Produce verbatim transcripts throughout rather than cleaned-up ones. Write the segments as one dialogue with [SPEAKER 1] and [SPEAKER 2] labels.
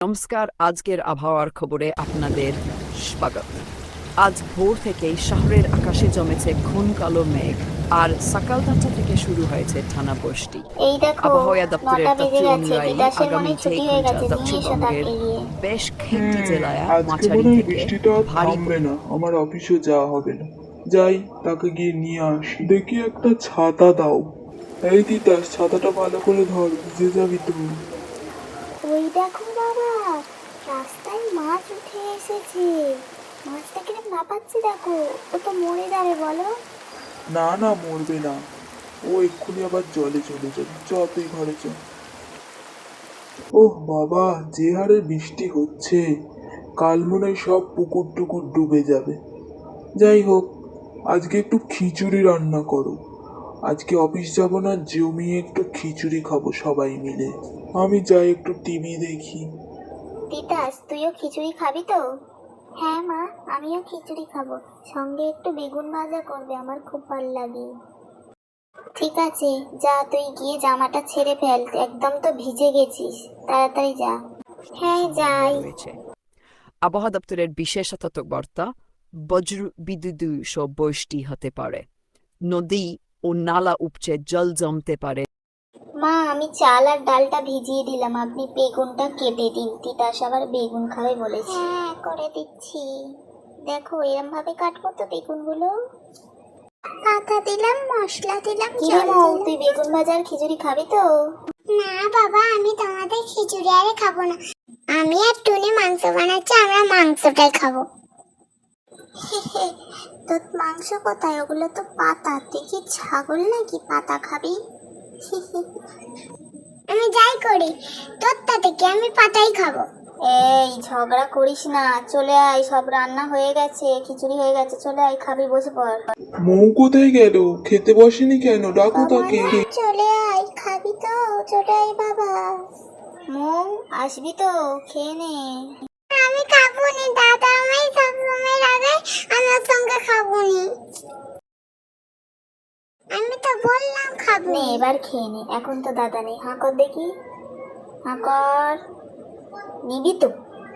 [SPEAKER 1] নমস্কার, আজকের আবহাওয়ার খবরে আপনাদের স্বাগত। আজ ভোর থেকেই শহরের আকাশে জমেছে ঘন কালো মেঘ, আর সকাল দশটা থেকে শুরু হয়েছে টানা বৃষ্টি।
[SPEAKER 2] এই দেখো
[SPEAKER 1] আবহাওয়া দপ্তরের
[SPEAKER 2] নটা
[SPEAKER 1] তথ্য
[SPEAKER 2] বেজে গেছে,
[SPEAKER 1] অনুযায়ী
[SPEAKER 2] বিকাশের মনে
[SPEAKER 1] আগামী
[SPEAKER 2] ছুটি
[SPEAKER 1] কয়েক
[SPEAKER 2] হয়ে
[SPEAKER 1] ঘন্টা
[SPEAKER 2] গেছে, নিয়ে এসো
[SPEAKER 1] দক্ষিণবঙ্গের
[SPEAKER 2] তাকে গিয়ে।
[SPEAKER 1] বেশ কয়েকটি
[SPEAKER 3] হুম
[SPEAKER 1] জেলায়
[SPEAKER 3] আজকে
[SPEAKER 1] মাঝারি
[SPEAKER 3] মনে হয়
[SPEAKER 1] থেকে
[SPEAKER 3] বৃষ্টিটা আর
[SPEAKER 1] ভারী
[SPEAKER 3] থামবে না, আমার অফিসে যাওয়া হবে না। যাই তাকে গিয়ে নিয়ে আসি। দেখি একটা ছাতা দাও। এই তিতাস, ছাতাটা ভালো করে ধর, ভিজে যাবি তো।
[SPEAKER 2] ওই দেখো বাবা, রাস্তায় মাছ উঠে এসেছে। মাছটা কিরম লাফাচ্ছে দেখো, ও তো মরে যাবে বলো।
[SPEAKER 3] না না, মরবে না। ও এক্ষুনি আবার জলে চলে যাবে। চ তুই ঘরে চ। ওহ বাবা, যে হারে বৃষ্টি হচ্ছে, কাল মনে হয় সব পুকুর টুকুর ডুবে যাবে। যাই হোক, আজকে একটু খিচুড়ি রান্না করো। আজকে অফিস যাব না, জমিয়ে একটু খিচুড়ি খাবো সবাই মিলে। আমি যাই একটু টিভি দেখি।
[SPEAKER 2] তিতাস, তুইও খিচুড়ি খাবি তো? হ্যাঁ মা, আমিও খিচুড়ি খাবো, সঙ্গে একটু বেগুন ভাজা করবে, আমার খুব ভালো লাগে। ঠিক আছে, যা তুই গিয়ে জামাটা ছেড়ে ফেল, একদম তো ভিজে গেছিস, তাড়াতাড়ি যা। হ্যাঁ যাই।
[SPEAKER 1] রয়েছে। আবহাওয়া দপ্তরের বিশেষ সতর্কবার্তা, বজ্র বিদ্যুৎ সহ বৃষ্টি হতে পারে। নদী ও নালা উপচে জল জমতে পারে।
[SPEAKER 2] মা, আমি চাল আর ডালটা ভিজিয়ে দিলাম, আপনি বেগুনটা কেটে দিন, তিতাস আবার বেগুন খাবে বলেছে। হ্যাঁ করে দিচ্ছি। দেখো এরম ভাবে কাটবো তো বেগুনগুলো। আদা দিলাম, মশলা দিলাম, কি রে মৌ, তুই বেগুন ভাজা আর খিচুড়ি খাবি তো?
[SPEAKER 4] না বাবা, আমি তোমাদের খিচুড়ি আরে খাবো না। আমি আর টুনি মাংস বানাচ্ছি, আমরা মাংসটাই খাবো।
[SPEAKER 2] তোর মাংস কোথায়? ওগুলো তো পাতা, তুই কি ছাগল নাকি পাতা খাবি?
[SPEAKER 4] আমি যাই করি, তোর তাতে কি, আমি পাতাই খাবো।
[SPEAKER 2] এই ঝগড়া করিস না, চলে আয়, সব রান্না হয়ে গেছে, খিচুড়ি হয়ে গেছে, চলে আয়, খাবি, বসে পড়।
[SPEAKER 3] মৌ কোথায় গেল? খেতে বসেনি কেন? ডাকো তাকে।
[SPEAKER 2] চলে আয়, খাবি তো? চলে আয় বাবা। মৌ, আসবি তো? খেয়ে নে।
[SPEAKER 4] আমি খাবো নি, দাদা আমায় সবসময় রাগায়, আমি ওর সঙ্গে খাবো নি। আমি তো বললাম খাবো
[SPEAKER 2] নে
[SPEAKER 4] নি।
[SPEAKER 2] এবার খেয়ে নে, এখন তো দাদা নেই। হাঁ কর দেখি, হাঁ কর। নিবি তো?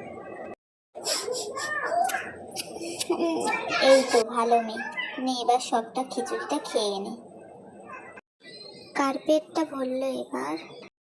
[SPEAKER 2] এই তো ভালো মেয়ে, নে এবার সবটা খিচুড়িটা খেয়ে নে। কার পেটটা ভরলো এবার?